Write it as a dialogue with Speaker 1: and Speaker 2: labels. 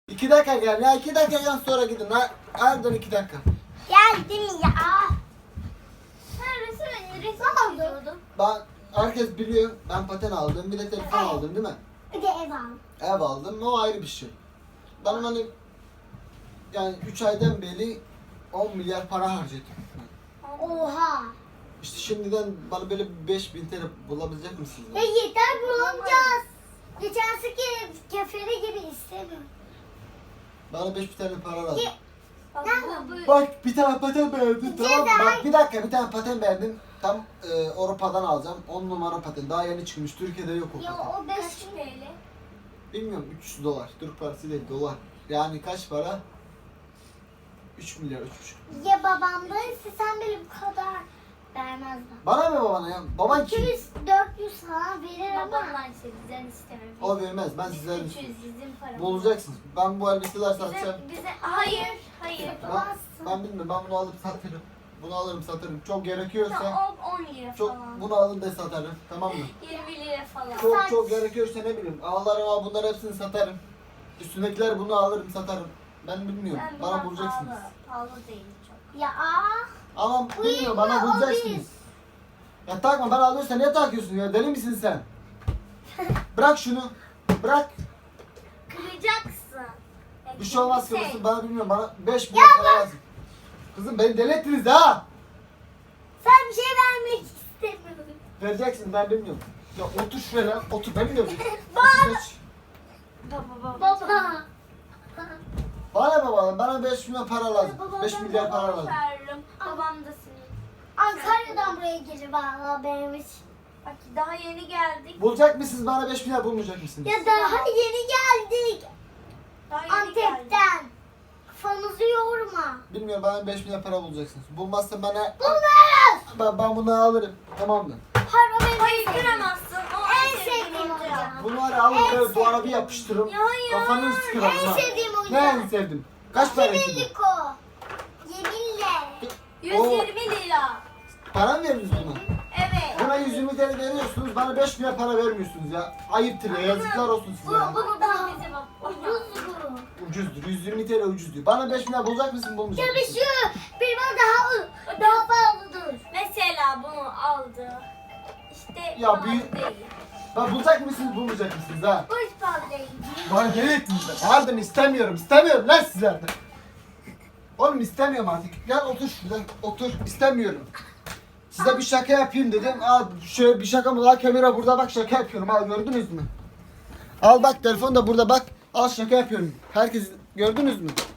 Speaker 1: 2 dakika gel ya, 2 dakikadan sonra gidin ha. Harbiden 2 dakika.
Speaker 2: Geldim ya.
Speaker 3: Resim çiziyordum.
Speaker 1: Ben, herkes biliyor ben paten aldım, bir de telefon aldım değil mi?
Speaker 2: Bir de ev al.
Speaker 1: Ev aldım, o ayrı bir şey. Benim hani yani 3 aydan beri 10 milyar para harcadım.
Speaker 2: Oha.
Speaker 1: İşte şimdiden bana böyle 5.000 TL bulabilecek misiniz?
Speaker 2: Ya yeter bulamayacağız. Geçen seki kefere gibi istemiyorum.
Speaker 1: Bana 5.000 TL para lazım.
Speaker 2: Nerede?
Speaker 1: Bak bir tane paten beğendim, tamam mı?
Speaker 2: Ceza.
Speaker 1: Bak bir dakika, bir tane paten beğendim. Tam Avrupa'dan alacağım. 10 numara paten. Daha yeni çıkmış. Türkiye'de yok o
Speaker 2: Ya
Speaker 1: paten.
Speaker 2: o 5
Speaker 3: Kaç TL?
Speaker 1: Bilmiyorum, 300 dolar. Türk parası değil, dolar. Yani kaç para? 3 milyar, 3,5.
Speaker 2: ya babamdaysa sen bile bu kadar vermez bana.
Speaker 1: Bana mı babana ya? Baban kim?
Speaker 2: 200-400 falan verir ama.
Speaker 3: Babamdan ise bizden istemem.
Speaker 1: O vermez. Ben sizden
Speaker 3: 300 bizim paramız.
Speaker 1: bulacaksınız. Ben bu elbiseler satacağım.
Speaker 3: Bize hayır.
Speaker 1: Ben bilmiyorum. Ben bunu alıp satırım. Bunu alırım satarım. Çok gerekiyorsa
Speaker 3: 10 lira
Speaker 1: çok
Speaker 3: falan.
Speaker 1: bunu alır da satarım. Tamam mı?
Speaker 3: 20 lira falan.
Speaker 1: Çok gerekiyorsa ne bileyim. Ağlarım, bunları hepsini satarım. Üstündekiler bunu alırım satarım. Ben bilmiyorum.
Speaker 3: Ben
Speaker 1: Bana
Speaker 3: buna
Speaker 1: bulacaksınız.
Speaker 3: Pahalı değil çok.
Speaker 2: Ya
Speaker 1: Ama bilmiyorum, bana
Speaker 2: o
Speaker 1: bulacaksınız. Ya takma, bana alıyorsan niye takıyorsun ya? Deli misin sen? Bırak şunu. Bırak.
Speaker 3: Kıracaksın.
Speaker 1: Bir şey olmaz kızım, bana bilmiyorum. Bana 5 milyon para lazım. Kızım beni deli ettiniz ha.
Speaker 2: sen bir şey vermek istemiyorum.
Speaker 1: Vereceksin, ben bilmiyorum. Ya otur şuraya lan. Otur, ben bilmiyorum. Geç.
Speaker 2: Baba.
Speaker 1: Bana baba, bana 5 milyon para lazım.
Speaker 2: Baba,
Speaker 1: 5
Speaker 2: ben
Speaker 1: milyar para lazım.
Speaker 3: Veririm. Babam da senin.
Speaker 2: Ankara'dan buraya gelir valla benim için.
Speaker 3: Bak daha yeni geldik.
Speaker 1: Bulacak mısınız bana 5 milyar, bulmayacak mısınız?
Speaker 2: Ya daha yeni geldik.
Speaker 3: Daha yeni geldik.
Speaker 2: Antep'ten. Kafanızı yorma.
Speaker 1: Bilmiyorum, bana 5 milyar para bulacaksınız. Bulmazsa bana...
Speaker 2: Bunlar.
Speaker 1: Ben bunu alırım. Tamam mı?
Speaker 3: Hayır kıramazsın. O
Speaker 2: En sevdiğim oyuncağım.
Speaker 1: Bunu var ya, alın böyle duvara bir yapıştırırım.
Speaker 3: Ya hayır.
Speaker 1: Kafanı sıkırım
Speaker 2: En
Speaker 1: ha.
Speaker 2: sevdiğim
Speaker 1: Ne
Speaker 2: oyuncağım.
Speaker 1: en sevdim? Kaç para istedin?
Speaker 2: Sevindik o. Yeminle.
Speaker 3: 120 lira.
Speaker 1: Para mı veriyorsunuz buna?
Speaker 3: Evet.
Speaker 1: Buna 120 TL veriyorsunuz, bana 5 milyar para vermiyorsunuz ya. Ayıptır ya, yazıklar olsun size ya.
Speaker 3: Bu da bize bak.
Speaker 2: Ucuz bu.
Speaker 1: Ucuzdur, 120 TL ucuz diyor. Bana 5 milyar bulacak mısın, bulmayacak
Speaker 2: Ya
Speaker 1: mısın?
Speaker 2: bir şu bir bana daha pahalıdır.
Speaker 3: Mesela bunu aldı. İşte
Speaker 1: Ya
Speaker 3: pahalı
Speaker 1: büyük-
Speaker 3: değil.
Speaker 1: Ben bulacak mısınız, bulmayacak mısınız ha?
Speaker 2: Bu hiç pahalı değil.
Speaker 1: Bana deli ettiniz ben. Harbiden istemiyorum lan sizlerden. Oğlum istemiyorum artık. Gel otur şurada, otur. İstemiyorum. Size bir şaka yapayım dedim. Al şöyle bir şaka mı? Al kamera burada, bak şaka yapıyorum. Al, gördünüz mü? Al bak, telefon da burada bak. Al, şaka yapıyorum. Herkes gördünüz mü?